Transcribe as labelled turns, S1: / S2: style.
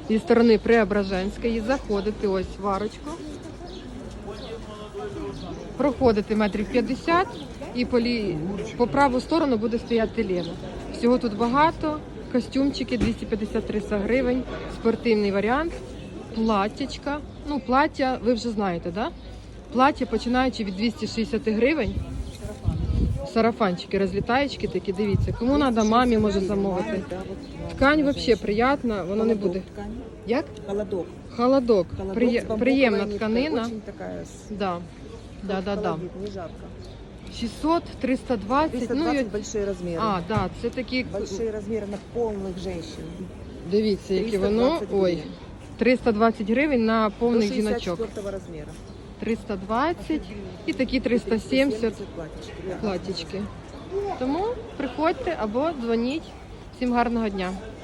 S1: зі сторони Преображенської. Заходите ось в арочку. Проходите метрів 50 і по праву сторону буде стояти Лена. Всього тут багато. Костюмчики 253 гривень, спортивний варіант, платтячка. Ну, плаття ви вже знаєте, да? Плаття починаючи від 260 гривень. Сарафанчики, розлітаєчки такі, дивіться. Кому треба, мамі може замовити. Ткань взагалі приємна, воно не буде. Як?
S2: Холодок.
S1: Холодок. Приємна тканина.
S2: Очень такая.
S1: Да. Да.
S2: Не жарко.
S1: 600, 320.
S2: 320 большие размеры.
S1: А, да, це такі.
S2: Большие размеры на полных женщин.
S1: Дивіться, яке воно.
S2: 320
S1: Ой.
S2: гривен.
S1: 320 гривень на повних жіночок.
S2: 64 размера.
S1: 320 і такі 370
S2: платьички.
S1: платічки. Тому приходьте або дзвоніть. Всім гарного дня.